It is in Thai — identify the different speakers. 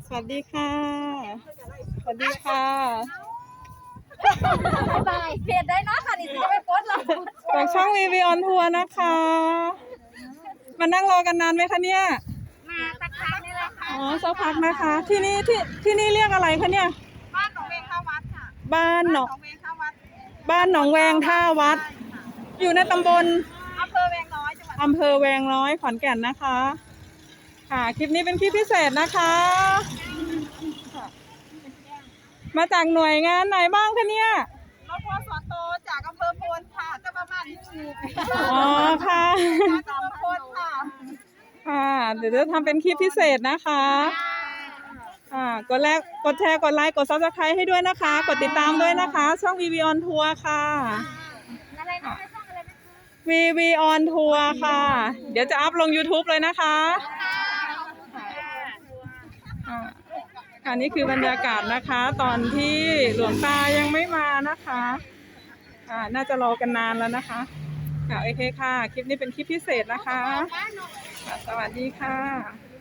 Speaker 1: สวัสดีค่ะสวัสดีค่ะ
Speaker 2: บายเพจได้เนาะค่ะนี่จะไปโพสต์เรา
Speaker 1: จากช่องวีวีออนทัวร์นะคะมานั่งรอกันนานไหมคะเนี่ย
Speaker 2: มาสักพักนี่แหละค่ะ
Speaker 1: อ๋อสักพักนะคะ ที่นี่เรียกอะไรคะเนี่ย
Speaker 2: บ้านหนองเวงท่าวัดค่ะ
Speaker 1: บ้านหนอง
Speaker 2: เวงท่าวัด
Speaker 1: บ้านหนองแวงท่าวัด อยู่ในตำบล
Speaker 2: อำเภอแวงน้อยจังหวัด
Speaker 1: อำเภอแวงน้อยขอนแก่นนะคะค่ะคลิปนี้เป็นคลิปพิเศษนะคะมาจากหน่วยงานไหนบ้างคะเนี่ย
Speaker 2: รถพ่อสอนโตจากอำเภอโพนค่ะจะประมาณนี้
Speaker 1: อ๋อค่ะ
Speaker 2: จากอำเภอโพนค่ะ
Speaker 1: ค่ะเดี๋ยวจะทำเป็นคลิปพิเศษนะคะกดแชร์กดไลค์กด Subscribe ให้ด้วยนะคะ กดติดตามด้วยนะคะช่อง VV on Tour ค่ะ
Speaker 2: อะไรนะช่องอะไรนะ
Speaker 1: VV on Tour ค่ะเดี๋ยวจะอัพลง YouTube เลยนะคะอันนี้คือบรรยากาศนะคะตอนที่หลวงตายังไม่มานะคะน่าจะรอกันนานแล้วนะคะโอเคค่ะคลิปนี้เป็นคลิปพิเศษนะคะสวัสดีค่ะ